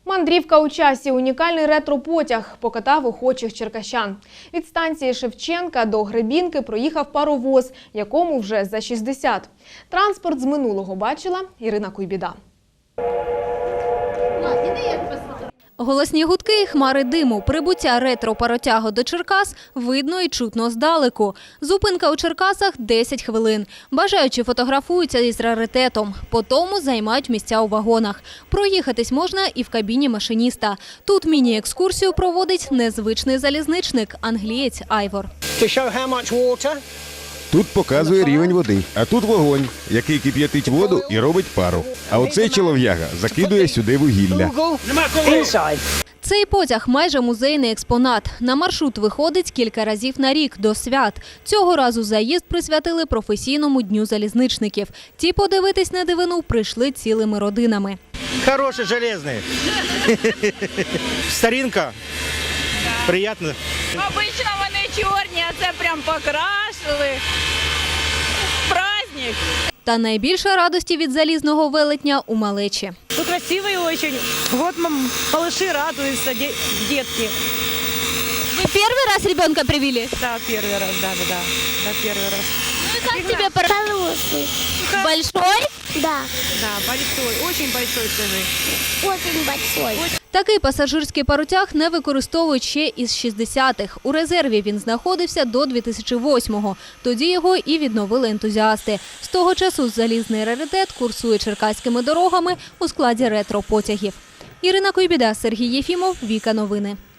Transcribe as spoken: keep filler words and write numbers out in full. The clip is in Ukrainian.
Мандрівка у часі – унікальний ретро-потяг покатав охочих черкащан. Від станції Шевченка до Гребінки проїхав паровоз, якому вже за шістдесят. Транспорт з минулого бачила Ірина Куйбіда. Голосні гудки і хмари диму. Прибуття ретро-паротягу до Черкас видно і чутно здалеку. Зупинка у Черкасах – десять хвилин. Бажаючі фотографуються із раритетом. По тому займають місця у вагонах. Проїхатись можна і в кабіні машиніста. Тут міні-екскурсію проводить незвичний залізничник – англієць Айвор. Тут показує рівень води, а тут вогонь, який кип'ятить воду і робить пару. А оцей чолов'яга закидує сюди вугілля. Цей потяг – майже музейний експонат. На маршрут виходить кілька разів на рік до свят. Цього разу заїзд присвятили професійному дню залізничників. Ті подивитись на дивину прийшли цілими родинами. Хороший, железний. Старинка. Приємно. Обично вони чорні, а це прям покрасили. Праздник. Та найбільше радості від залізного велетня у малечі. Ну, красивый очень. Вот малыши радуются, детки. Ви перший раз ребенка привели? Да, первый раз, да, да, да, да, первый раз. Ну и как тебе Хороший. большой? Да, Да, большой, очень большой, скажи. очень большой. Такий пасажирський паротяг не використовують ще із шістдесятих. У резерві він знаходився до дві тисячі восьмого. Тоді його і відновили ентузіасти. З того часу залізний раритет курсує черкаськими дорогами у складі ретро-потягів. Ірина Куйбіда, Сергій Єфімов, Віка Новини.